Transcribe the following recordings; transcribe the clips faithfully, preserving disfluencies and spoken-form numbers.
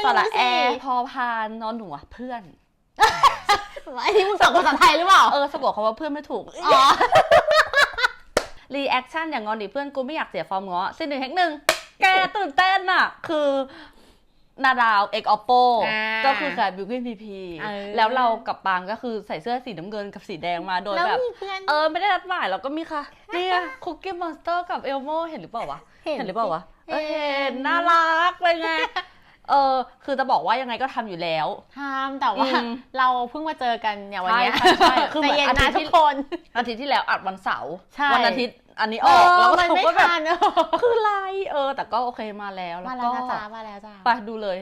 สระแอพอพานนอนหนูอะเพื่อนไอ้นี่มึงสอนภาษาไทยหรือเปล่าเออสะกดคำว่าเพื่อนไม่ถูกอ๋อรีแอคชั่นอย่างงอนดิเพื่อนกูไม่อยากเสียฟอร์มง้อสิ่งหนึ่งแห่งหนึ่งแกตื่นเต้นอะคือนาดาวเอกออปโปก็คือขายบิวกิ้นพีพีแล้วเรากับปางก็คือใส่เสื้อสีน้ำเงินกับสีแดงมาโดยแบบเออไม่ได้นัดหมายเราก็มีค่ะนี่คุกกี้มอนสเตอร์กับเอลโมเห็นหรือเปล่าวะเห็นหรือเปล่าวะเห็นน่ารักเลยไงเออคือจะบอกว่ายังไงก็ทำอยู่แล้วทำแต่ว่าเราเพิ่งมาเจอกันอย่างวันนี้ใช่คือเหมือนอาทิตย์ทุกคนอาทิตย์ที่แล้วอัดวันเสาร์วันอาทิตย์อันนี้ออกแล้วมันไม่ทันคือไรเออแต่ก็โอเคมาแล้วมาแล้วจ้ามาแล้วจ้าไปดูเลย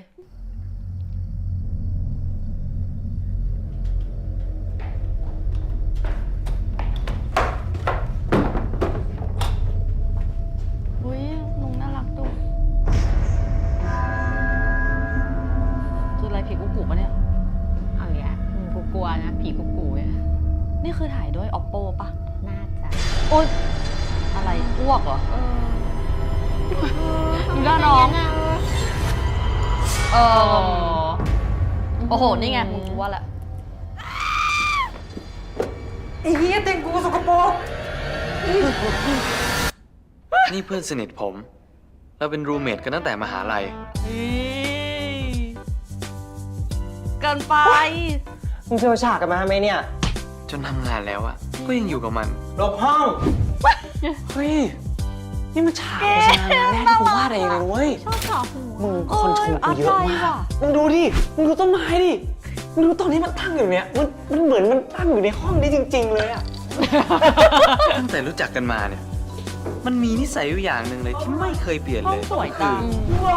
อุ้ยนุ่งน่ารักดูคืออะไรผีกุ๊กกุ๊กปะเนี่ยเอาอย่างกูกลัวนะผีกุ๊กกุ๊กเนี่ยนี่คือถ่ายด้วย oppo ปะน่าจะโอ๊ยอะไรอ้วกเหรอดูหน้าน้องเออโอ้โหนี่ไงมึงรู้ว่าละไอ้เหี้ยเต็งกูสกปรกนี่เพื่อนสนิทผมเราเป็นรูเมทกันตั้งแต่มหาลัยเกินไปมึงเจอฉากกันมาไหมเนี่ยจนทำงานแล้วอะก็ยังอยู่กับมันหลบห้องเฮ้ยนี่มันฉากโฆษณาแรกที่กูวาดเองเลยเว้ยชอบฉากมึงคนชมกูเยอะมากมึงดูดิมึงดูต้นไม้ดิมึงดูตอนนี้มันตั้งอยู่เนี่ยมันมันเหมือนมันตั้งอยู่ในห้องนี้จริงๆเลยอะตั้งแต่รู้จักกันมาเนี่ยมันมีนิสัยอยู่อย่างหนึ่งเลยที่ไม่เคยเปลี่ยนเลยสวยจัง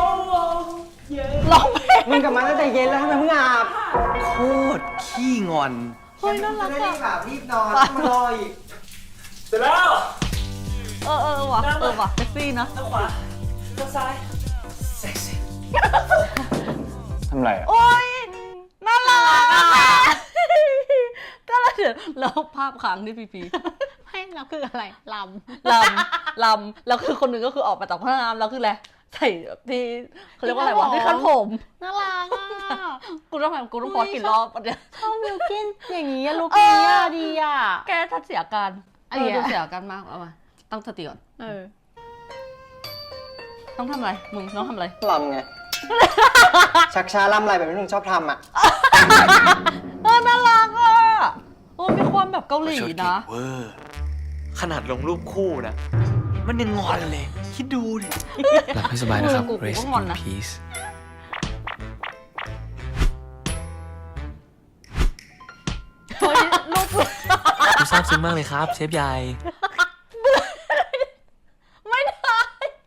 ร้องเพลงมึงกลับมาตั้งแต่เย็นแล้วทำไมมึงอาบโคตรขี้งอนเฮ้ยน่ารักอะแบบรีบนอนมารออีกเสร็จแล้วเออเออว่ะเออว่ะเซ็กซี่นะทางขวาทางซ้ายเซ็กซี่ทำไรอ่ะโอ๊ยน่ารักอ่ะก็แล้วเดี๋ยวแล้วภาพค้างที่พีพีให้เราคืออะไรลำลำลำแล้วคือคนหนึ่งก็คือออกมาจากห้องน้ำแล้วคืออะไรใส่ที่เขาเรียกว่าอะไรวะที่คันผมน่ารักอ่ะกูต้องทำกูต้องพอกี่รอบอันเนี้ยชอบบิวกิ้นอย่างนี้ลุคนี้อ่ะดีอ่ะแกทัดเสียการเออดูเสียการมากเอามาตั้งสติก่อนเออต้องทำอะไรมึงต้องทำอะไรลำไงชักช้าลำอะไรแบบที่มึงชอบทำอ่ะเออน่ารักอ่ะโอ้มีความแบบเกาหลีนะเวอร์ขนาดลงรูปคู่นะมันยังงอนเลยคิดดูดิหลับให้สบายนะครับ Rest in peace เฮ้ยลูกผมซาบซึ้งมากเลยครับเชฟใหญ่ไม่ได้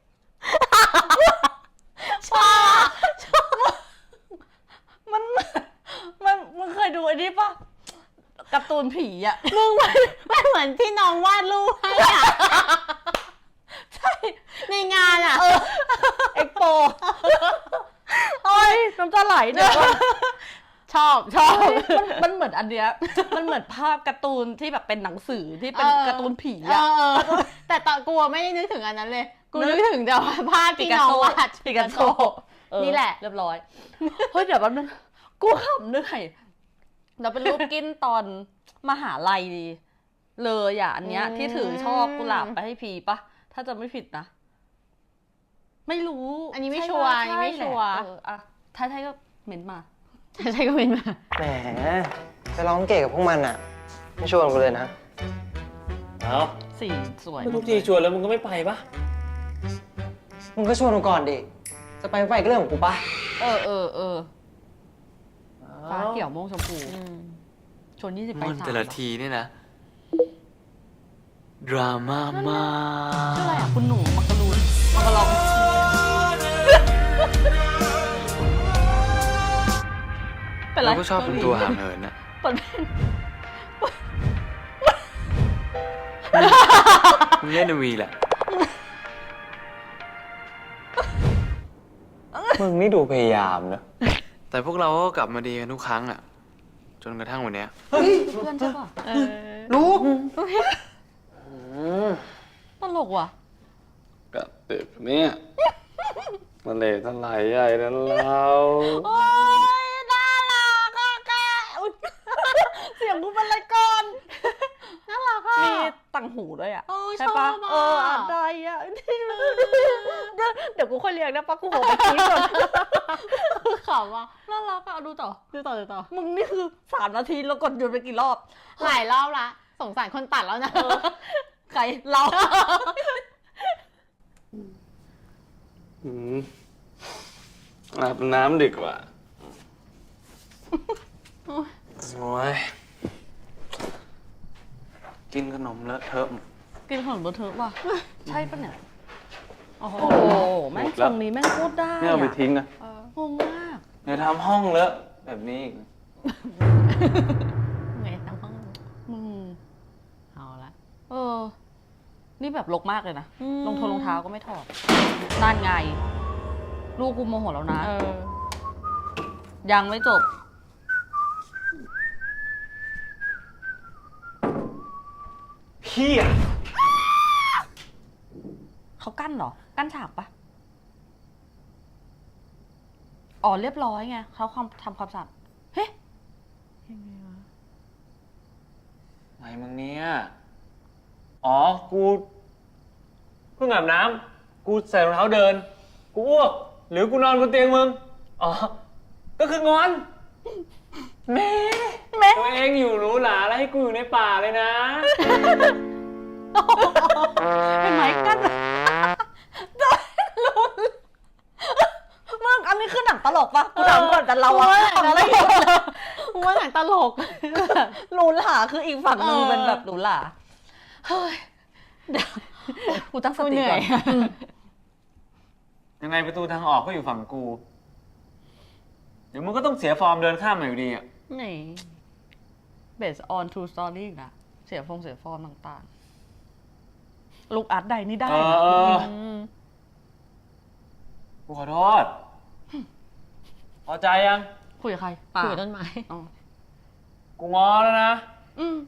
ชอบชอบมันมันมึงเคยดูไอ้นี่ปะการ์ตูนผีอ่ะมึงมันไม่เหมือนที่น้องวาดรูปให้อ่ะใช่ในงานอ่ะเอ็กโปโอ้ยน้ำตาไหลเนี่ยชอบชอบมันเหมือนอันเนี้ยมันเหมือนภาพการ์ตูนที่แบบเป็นหนังสือที่เป็นการ์ตูนผีอ่ะแต่ตอนกูไม่ได้นึกถึงอันนั้นเลยกูนึกถึงแต่ว่าภาพที่น้องวาดปิกัสโซนี่แหละเรียบร้อยเฮ้ยเดี๋ยวแป๊บนึงกูขำเหนื่อยเราเป็นรูปกินตอนมหาลัยดีเลยอ่ะอันเนี้ยที่ถือช่อกุหลาบไปให้พีปะถ้าจะไม่ผิดนะไม่รู้อันนี้ไม่ชัวร์อันนี้ไม่ชัวร์อ่ะท้ายๆก็เหม็นมาท้ายๆก็เหม็นมาแหมจะร้องเก๋กับพวกมันอ่ะไม่ชวนกูเลยนะเอาสีสวยทุกทีชวนแล้วมึงก็ไม่ไปปะมึงก็ชวนกูก่อนดิจะไปไม่ไปก็เรื่องของกูปะเออเออเออฟ้าเขียวม่วงชมพูชวนยี่สิบไปสามแต่ละทีนี่นะดราม่ามากชื่ออะไรอ่ะคุณหนูมักกะลูนมักกะลองเป็นไรเราก็ชอบเป็นตัวห่างเหินนะเปิดเพลงมึงเล่นในวีแหละมึงนี่ดูพยายามนะแต่พวกเราก็กลับมาดีกันทุกครั้งอ่ะจนกระทั่งวันนี้เฮ้ยเพื่อนใช่ป่ะรู้ตลกว่ะกับเด็กเนี่ยมันเลยทลายใหญ่นั้นเราโอ้ยน่ารักอะแกอุ๊ยเสียงกูเป็นอะไรก่อนน่ารักอะมีต่างหูด้วยอ่ะโอ้ยใช่ปะชอบอะเอออะไรอ่ะ เดี๋ยวเดี๋ยวกูค่อยเรียกนะปะกูโหไปคิดก่อนขำว่ะน่ารักอ่ะดูต่อดูต่อดูต่อมึงนี่คือสามนาทีแล้วกดหยุดไปกี่รอบหลายรอบละสงสารคนตัดแล้วนะใครเราอืมอาบน้ำดีกว่า โอ้ย กินขนมเลอะเทอะกินขนมเบอร์เทอร์ว่ะ ใช่ปะเนี่ยโอ้โหโอ้โหแม่งตรงนี้แม่งพูดได้ไม่เอาไปอะทิ้งนะงงมากเดี๋ยวทำห้องเลอะแบบนี้อีกไงทั้งห้องมึงเอาละเออ นี่แบบลกมากเลยนะอืมรองเท้ารองเท้าก็ไม่ถอดนั่นไง ลูกกูโมโหแล้วนะเออยังไม่จบพี่อะเขากั้นเหรอ กั้นฉากปะอ๋อเรียบร้อยไงเขาความทำความสะอาดเฮ้ยังไงวะไงมึงเนี่ย อ๋อ กูเพิ่งอาบน้ำ กูใส่รองเท้าเดิน กูอ้วก หรือกูนอนบนเตียงมึง อ๋อ ก็คืองอนแม่แม่ตัวเองอยู่หรูหราแล้วให้กูอยู่ในป่าเลยนะเห็นไหมกั้นโดนลุ้นมึงอันนี้คือหนังตลกปะกูถามก่อนแต่เราอะทำอะไรอยู่กูว่าหนังตลกหรูหราคืออีกฝั่งหนึงเออเป็นแบบหรูหราเฮ้ยเดี๋ยวกูตั้งสกูติเหนื่ก่ออย นยังไงประตูทางออกก็อยู่ฝั่งกู เดี๋ยวมึงก็ต้องเสียฟอร์มเดินข้ามมาอยู่ดีอ่ะไหน based on true story อีกนะเสียฟงเสียฟอร์มต่างๆ ลูกอาร์ตใดนี่ได้เออนะเออมกูขอโทษ พอใจยังคุยกับใครคุยกับต้นไม้อ๋อกูงอแล้วนะอืม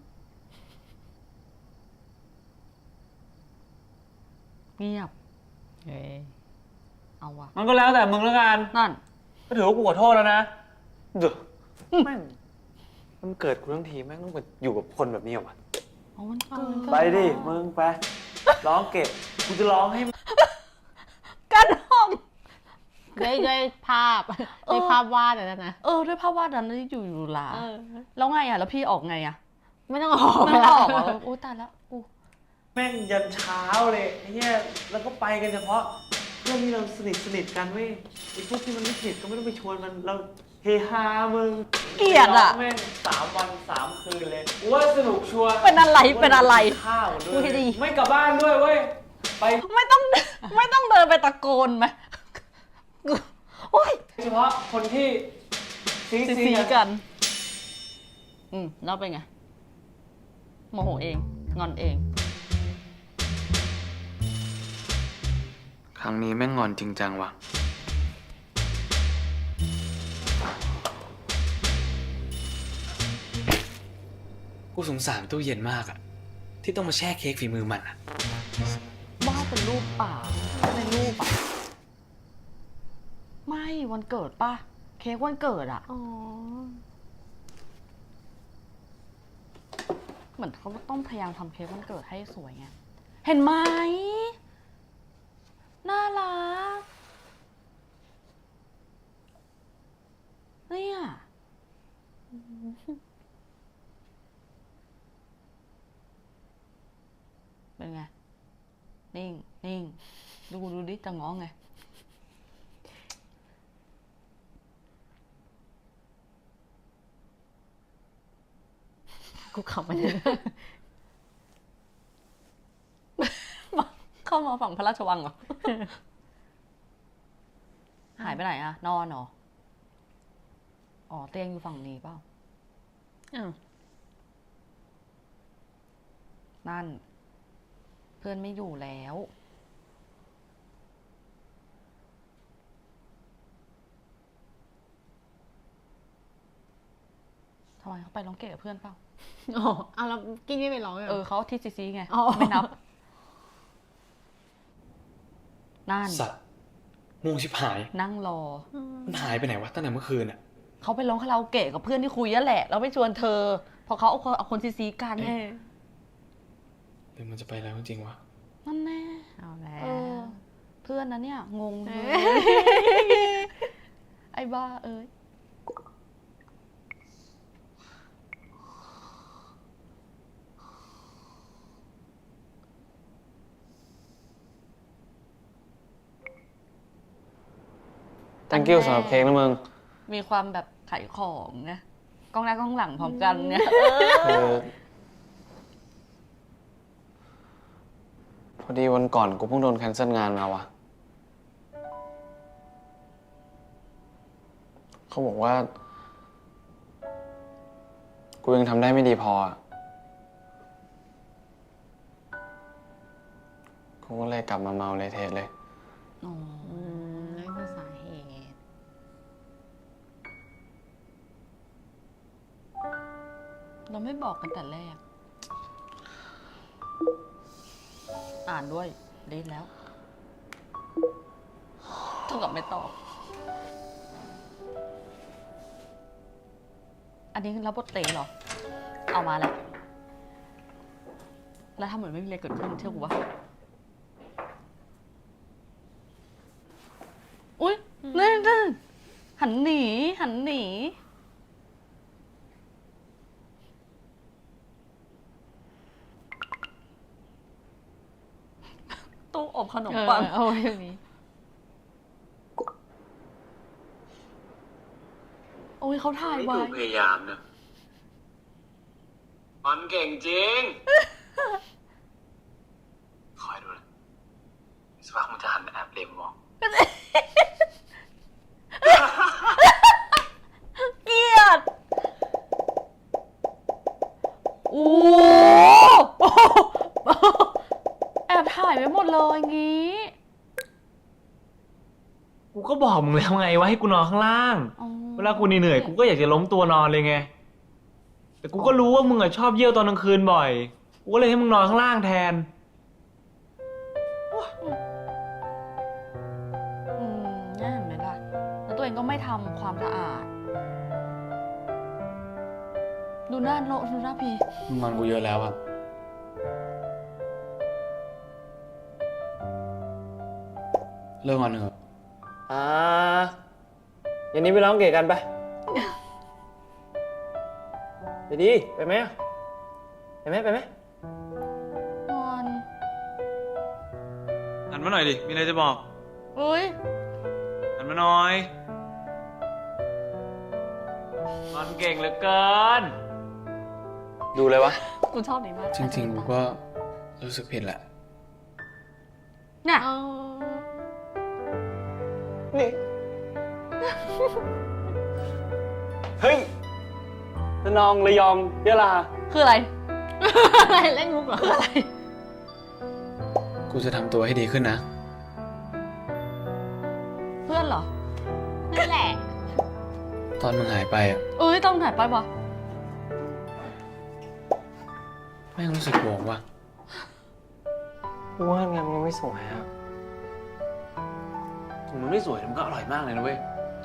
เงียบเฮ้ยเอาวะมันก็แล้วแต่มึงแล้วกันนั่นก็ถือว่ากูขอโทษแล้วนะเดี๋ยวแม่งมันเกิดกูทั้งทีแม่งต้องมาอยู่กับคนแบบนี้เหรอวะเอามันเกินไปดิ มึงไป ร้องเก็บ กูจะร้องให้กันห้องด้วยด้วยภาพด้วยภาพวาดอะนะเออ ด้วยภาพวาดนั้นที่อยู่อยู่หลาเออแล้วไงอ่ะ แล้วพี่ออกไงอ่ะไม่ต้องออกไม่ออกเหรอโอ้ตายแล้วกูแม่งยันเช้าเลยไอ้เหี้ยแล้วก็ไปกันเฉพาะเพื่อนที่เราสนิทสนิทกันเว้ยไอ้พวกที่มันไม่สนิทก็ไม่ต้องไปชวนมันเราเฮฮามึงเกลียดอะแม่งสามวันสามคืนเลยกูว่าสนุกชัวร์เป็นอะไรเป็นอะไรข้าวด้พูวดให้ยดีไม่กลับบ้านด้วยเว้ยไปไม่ต้อง ไม่ต้องเดินไปตะโกนไหมกูโอ้ยเฉพาะคนที่ซีซีซีซีกันกัน อืมแล้วเป็นไง โมโหเอง งอนเองครั้งนี้แม่งงอนจริงจังว่ะกูสงสารตู้เย็นมากอะที่ต้องมาแช่เค้กฝีมือมันอะบ้าเป็นรูปป่าในรูปอ่ะ ไม่วันเกิดป่ะ เค้กวันเกิดอ่ะอ๋อเหมือนเขาต้องพยายามทำเค้กวันเกิดให้สวยไง เห็นไหม น่ารัก เนี่ย เป็นไง นิ่ง นิ่ง ดูดูดิ จะง้อไงกูขำมันเลยเข้ามาฝั่งพระราชวังเหรอ หายไปไหนอะนอนเหรอ อ๋อ เตียงอยู่ฝั่งนี้เปล่าอ้าวนั่น เพื่อนไม่อยู่แล้วทำไมเขาไปร้องเกะกับเพื่อนเปล่าอ๋อเอาแล้วกิ้งไม่ไปร้องเลยหรเออเขาที่ซีซีไงอ๋อไม่นับ นั่นสัตว์ม่วงชิบหายนั่งรอมันหายไปไหนวะตั้งแต่เมื่อคืนอะเขาไปร้องคาราโอเกะกับเพื่อนที่คุยนั่นแหละ แล้วไปชวนเธอ พอเขาเอาคนเอาคนซีซีกันเออหรือมันจะไปแล้วจริงๆวะนั่นแน่เอาแล้เออวเพื่อนนะเนี่ย งงเอเลอย ไอ้บ้าเอ้ย thank you สำหรับเค้กนะมึงมีความแบบขายของนะกล้องหน้ากล้องหลังพร้อมกันเนี่ยคือพอดีวันก่อนกูเพิ่งโดนแคนเซิลงานมาวะเขาบอกว่า กูยังทำได้ไม่ดีพออะกูก็เลยกลับมาเมาเลยเทศเลยอ๋ออืมนั่นคือสาเหตุเราไม่บอกกันแต่แรก อ่านด้วยดีแล้วเท่ากับไม่ตอบ อันนี้รับบทเต๋เหรอ เอามาแล้ว แล้วทำเหมือนไม่มีอะไรเกิดขึ้นเชื่อกูวะอุ้ยนั่นนั่นหันหนี หันหนี ตู้อบขนมเออปังเอาไว้อย่างนี้โอ้ยเขาถ่ายไม่ไว้ดูพยายามนะมันเก่งจริง คอยดูนะสักพักมันจะหันแอบเหลมมองเกลียด โอ้โหแอบถ่ายไว้หมดเลยงี้กูก็บอกมึงแล้วไงว่าให้กูนอนข้างล่างอ๋อเวลากูเหนื่อยๆกูก็อยากจะล้มตัวนอนเลยไง แต่กูก็รู้ว่ามึงอะชอบเยี่ยวตอนกลางคืนบ่อย กูก็เลยให้มึงนอนข้างล่างแทนอืมน่าเห็นไหมล่ะ แล้วตัวเองก็ไม่ทำความสะอาด ดูหน้าโนดูหน้าพีมึงงอนกูเยอะแล้วอะเลิกงอนเถอะอ่าเย็นนี้ไปร้องเกะกันไป ไปดิ ไปไหมอะไปไหมไปไหมงอนหันมาหน่อยดิ มีอะไรจะบอกอุ้ยหันมาหน่อยมันเก่งเหลือเกิน ดูเลยวะกูชอบนี้มากจริงๆกูก็รู้สึกผิดแหละเนี่ยเอานี่ เฮ้ยระนองระยองยะลาคืออะไรอะไรเล่นมุกเหรอคืออะไรกูจะทำตัวให้ดีขึ้นนะเพื่อนเหรอนั่นแหละตอนมึงหายไปอะเอ้ย ต้องถ่ายไปปะแม่งรู้สึกโกงว่ะกูว่างานมันไม่สวยอะถึงมันไม่สวยแต่มันก็อร่อยมากเลยนะเว้ย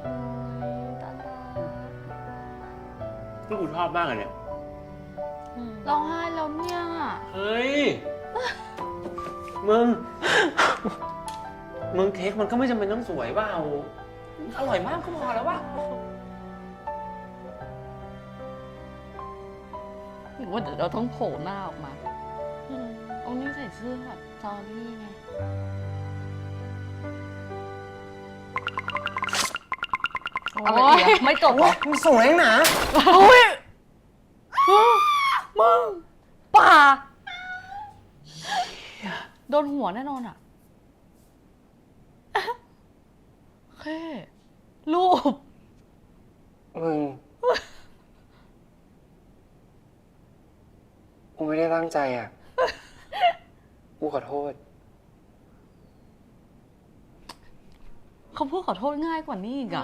ที่กูชอบมากเลยเนี่ยร้องไห้แล้วเนี่ยเฮ้ย มึง มึงเค้กมันก็ไม่จำเป็นต้องสวยเปล่าอร่อยมากก็พอแล้ววะหรือว่าเดี๋ยวเราต้องโผล่หน้าออกมาตรงนี้ใส่เสื้อแบบจอรี่ไง อะไรอีกอะไม่จบเหรอมึงสวยนักหนาอุ้ยมึงป่าโดนหัวแน่นอนอ่ะโอเค รูปมึง กูไม่ได้ตั้งใจอ่ะ กูขอโทษเขาพูดขอโทษง่ายกว่านี้อีกอ่ะ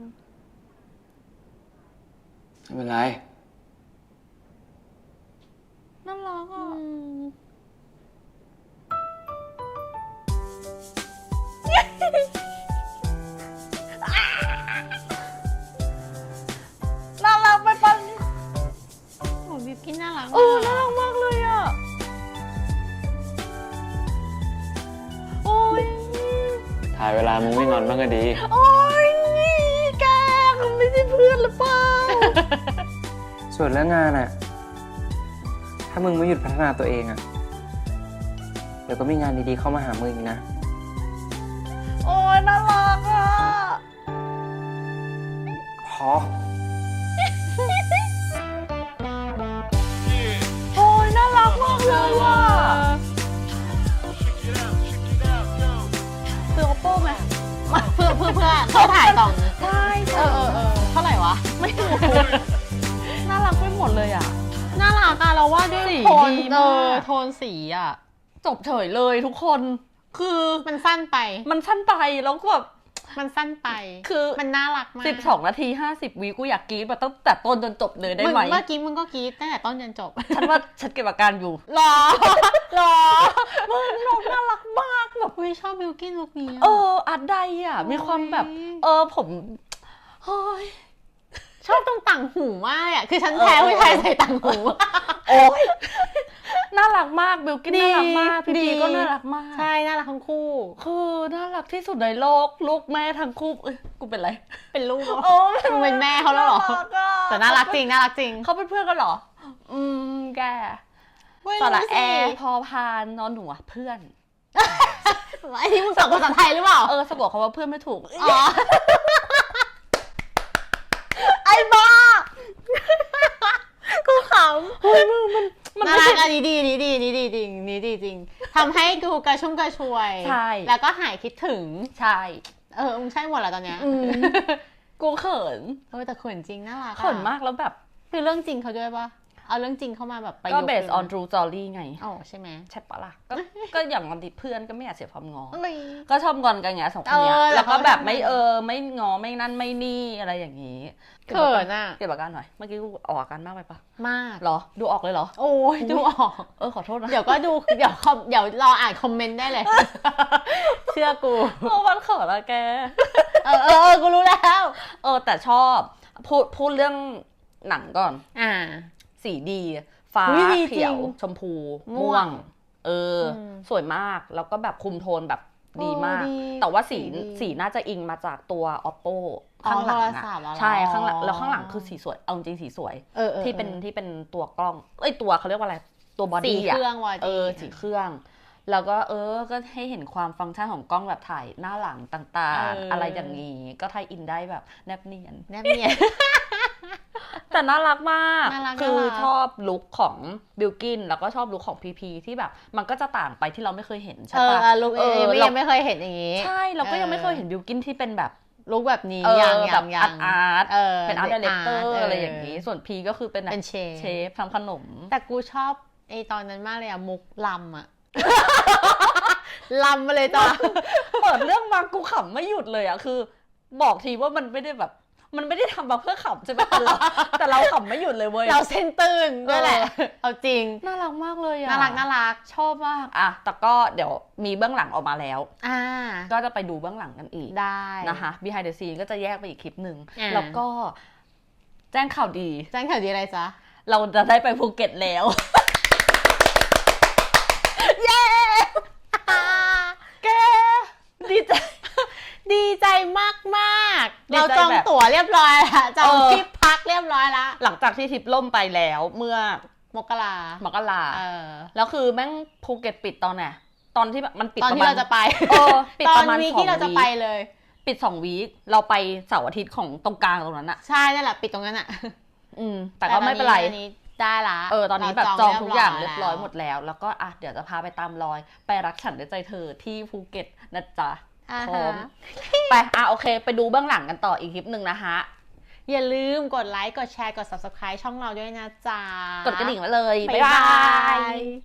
ไม่เป็นไรน่ารักอ่ะวลามึงไม่งอนบ้างก็ดีโอ๊ยแกมันไม่ใช่เพื่อนหรือเปล่าส่วนเรื่องงานอะถ้ามึงไม่หยุดพัฒนาตัวเองอะเดี๋ยวก็มีงานดีๆเข้ามาหามึงอีกนะโอ๊ยน่ารักอ่ะพอโอ้ยน่ารักมากเลยว่ะซื้อ oppo ไหมเพื่อเพื่อเพื่อเขาถ่ายกล่องใช่เออเออเออเท่าไหร่วะไม่รู้น่ารักไปหมดเลยอ่ะน่ารักอะเราว่าด้วยสีโทนดีเอมากอโทนสีอะจบเฉยเลยทุกคน คือมันสั้นไปมันสั้นไปแล้วก็แบบมันสั้นไปคือมันน่ารักมากสิบสองนาทีห้าสิบวิกูอยากกรี๊ดมาตั้งแต่ต้นจนจบเลยได้ไหมงเมื่อกี้มึงก็กรี๊ดตั้งแต่ต้นจนจบฉันว่าฉันเก็บอาการอยู่หรอหรอมึงน้องน่ารักมากแบบอุ้ยชอบบิวกิ้นลุคนี้เออะออาร์ตไดอ่ะ มีความแบบ เออผมเฮ้ยชอบตรงต่างหูมากอะคือฉันแพ้ผู้ชายใส่ต่างหูโอ้ยน่ารักมากบิลกิ้นดีน่ารักมากพี่ดีพีก็น่ารักมากใช่ น่ารักทั้งคู่คือน่ารักที่สุดในโลกลูกแม่ทั้งคู่เอ้ยกูเป็นไรเป็นลูกเหรอโอ้มึงเป็นแม่เขาแล้วเหรอน่ารักอะแต่น่ารักจริง น่ารักจริงเขาเป็นเพื่อนกันเหรอ อืมแกเว้ยสระรู้สิแอร์พอพานนอนหนูอะเพื่อนไอ้ที่มึงสอนภาษาไทยหรือเปล่าเออสะบอกเขาว่าเพื่อนไม่ถูกอ๋อไอ้บ้ากูขำเฮ้ยมึงมันมันน่าไม่รักใช่อันนี้ดีนี่ดีนี่ดีจริงนี่ดีจริงทำให้กูกระชุ่มกระชวยใช่แล้วก็หายคิดถึงใช่เออมึงใช่หมดแล้วตอนเนี้ยอืม กูเขินเออแต่เขินจริงน่ารักอะเขินมากแล้วแบบคือเรื่องจริงเขาด้วยปะเอาเรื่องจริงเข้ามาแบบประก็ยุกต์ based on true story ไงอ๋อใช่ไหมใช่ปะล่ะ ก็ ก็อย่างงอนติดเพื่อนก็ไม่อยากเสียความงอเอ้ยก็ชอบงอนกันไงสองคนเนี้ยเออแล้แล้ววก็เขาแบบทำไงไม่เออ ไม่งอไม่นั่นไม่นี่อะไรอย่างนี้เขินอะเก็บอาการหน่อย เมื่อกี้กูออกอาการมากไปปะมากเหรอ ดูออกเลยเหรอโอ้ยดูออกเออขอโทษนะเดี๋ยวก็ดูเดี๋ยวคอมเดี๋ยวรออ่านคอมเมนต์ได้เลย เชื่อกูโอ้มันเขินอะแกเออเออเออกูรู้แล้วเออแต่ชอบพูดพูดเรื่องหนังก่อนอ่าสีดี ฟ้าอุ๊ยดีจริงเขียว ชมพูม่ม่ววงง เอออมสวยมากแล้วก็แบบคุมโทนแบบดีมากโอ้ดีแต่ว่าสีสีดีสีน่าจะอิงมาจากตัว oppo อ๋อข้างหลังโทรอะศัพท์เหรอใช่ข้างหลังแล้วข้างหลังคือสีสวยเอาจริงๆสีสวยเออเออที่เป็นออที่เป็นตัวกล้อง เอ้ยตัวเขาเรียกว่าอะไร ตัวบอสีดี้เคอะรื่องวอดีเออสีเครื่อง แล้วก็เออก็ให้เห็นความฟังก์ชันของกล้องแบบถ่ายหน้าหลังต่างเออๆออะไรอย่างนี้ก็ไทยอินได้แบบแนบเนียนแนบเนียนแต่น่ารักมากน่ารักคือน่ารักชอบลุคของบิลกินแล้วก็ชอบลุคของพีพีที่แบบ มันก็จะต่างไปที่เราไม่เคยเห็นใช่เออปะเออลุกเอเออไม่เรายังไม่เคยเห็นอย่างนี้ใช่เราก็ยังไม่เคยเห็นบิลกินที่เป็นแบบลุกแบบนี้เออยังแบยับงยัอาร์งตอาร์ตเออเป็นอาร์ตดีเลกเตอ art ร์เออออะไรอย่างนี้ ส่วนพีก็คือเป็นแบบเป็นเชฟเชฟทำขนมแต่กูชอบไอตอนนั้นมากเลยอะมุกลำอะลำมาเลยจ้ะเปิดเรื่องมากูขำไม่หยุดเลยอะคือ บอกทีว่ามันไม่ได้แบบ มันไม่ได้ทำมาเพื่อขำใช่ไหมแต่เราแต่เราขำไม่หยุดเลยเว้ยเราเส้นตื่นด้วยแหละเออเอาจริงน่ารักมากเลยอะน่ารักน่ารักชอบมากอะแต่ก็เดี๋ยวมีเบื้องหลังออกมาแล้วอ่าก็จะไปดูเบื้องหลังกันอีกได้นะคะ behind the scene ก็จะแยกไปอีกคลิปหนึ่งอ่าแล้วก็แจ้งข่าวดีแจ้งข่าวดีอะไรจ๊ะเราจะได้ไปภูเก็ตแล้วเย้แกดีใจดีใจมากมากๆดีใจเราจองแบบตั๋วเรียบร้อยแล้วจองเออที่พักเรียบร้อยแล้วหลังจากที่ทริปล่มไปแล้วเมื่อมกรามกราเออแล้วคือแม่งภูเก็ตปิดตอนไหนตอนที่แบบมันปิดตอนประที่มาณเราจะไปเออปิดตอปนระมาณวีคสองที่เราจะวีไปคเลยปิดสองวีคเราไปเสาร์อาทิตย์ของตรงกลางตรงนั้นอะใช่นั่นแหละปิดตรงนั้นอ่ะอืม แต่ก็ไม่เป็นไรตอนนี้ได้ละเออตอนนี้แบบจองทุกอย่างเรียบร้อยแล้วหมดแล้ว แล้วก็อ่ะเดี๋ยวจะพาไปตามรอย ไปรักฉันด้วยใจเธอที่ภูเก็ตนะจ๊ะอ่าพร้อมฮะไปอ่ะโอเค ไปดูเบื้องหลังกันต่ออีกคลิปหนึ่งนะคะอย่าลืมกดไลค์ กดแชร์ กด ซับสไครบ์ ช่องเราด้วยนะจ๊ะกดกระดิ่งไว้เลยบ๊ายบาย